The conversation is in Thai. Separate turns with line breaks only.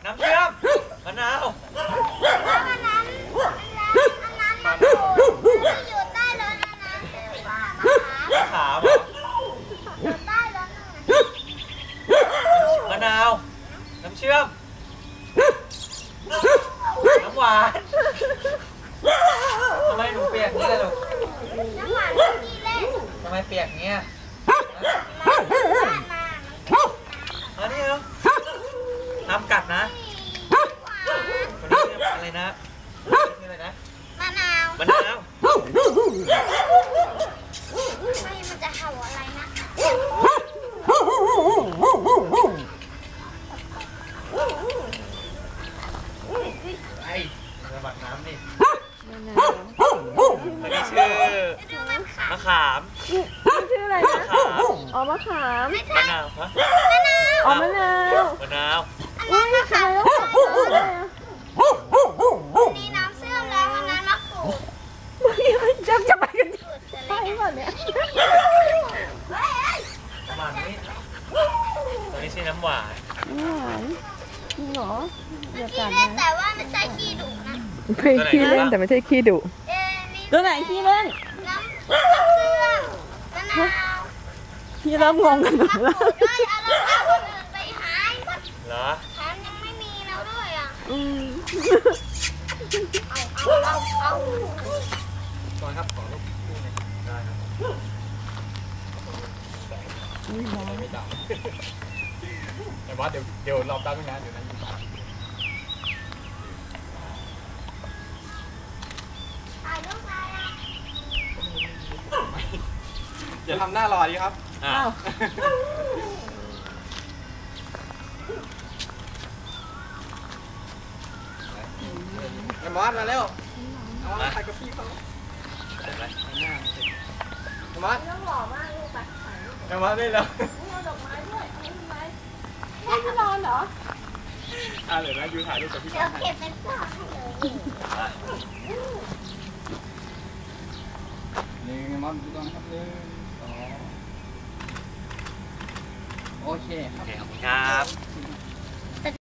น้ำเชื่อมมะนาว
อันนั้นอยู่ใต้รถอันนั้นมะขามอยู่ใต้รถ
มะนาวน้ำเชื่อมน้ำหวานทำไมหนูเปียกงี้ล่ะลูก
น้ำหวานเมื่อกี้เล่น
ทำไมเปียกเงี้ยอันนี้เหรอน้ำกัดนะคนนี้ชื่ออะไรนะชื่ออะไรนะ
มะนาว
มะนาว
ไม่มันจะเห่าอะไรนะ
ไอ้ระบาดน้ำนี่
มะนาว
คนนี้ชื่อมะขาม
ชื่ออะไรนะอ๋อมะขาม
มะนาวฮะ
อ๋อมะนาว
มะนาว
อุ้ยทำไมต้อง
นี่น้ำเสื่อมแล้วอันนั้นมะกรูด
จะไปกันใช่ป่ะเนี่ย
น้ำหวานนี่ตัวนี้ชื่อน้ำหวาน
น้ำหวานจริงเหรออย่ากัด
เล่น
นะ
แต่ว่าไม่ใช่ขี้ดุนะ
ไม่ขี้เล่นแต่ไม่ใช่ขี้ดุตัวไหนขี้เล่น
น้ำเสื่อมมะนาว
พี่เริ่มงงกันหมดแล้ว
ด้วยเอารองเท้าคนอื่นไปหายหมด
เหรอ
แถมยังไม่มีแล้วด้วยอ่ะเอา
ก่อนครับขอลูกคู่หนึ่งได้ครับไม่ดังแต่ว่าเดี๋ยวรอบตั้งไม่นานเดี๋ยวนั้น
ถ่ายรูปอะไรอ่ะ
อย่าทำหน้ารอดีครับอ้าวไอ้มอสมาเร็วเอามาถ่ายกับพี่เขาอะไรหน้าไอ้มอส
ต้องหล่อมากลูกไป
ไอ้มอสได้แล้ว
เอาดอกไม้ด้วยเอาทำไมไม่ที่นอนเหรอ
เดี๋ยวนะยูถ่ายรูปกับพี่
เดี๋ยวเก็บเป็นกล่องให้เลย
นี่มอสดูตรงนะครับโอเคครับขอบคุณครับ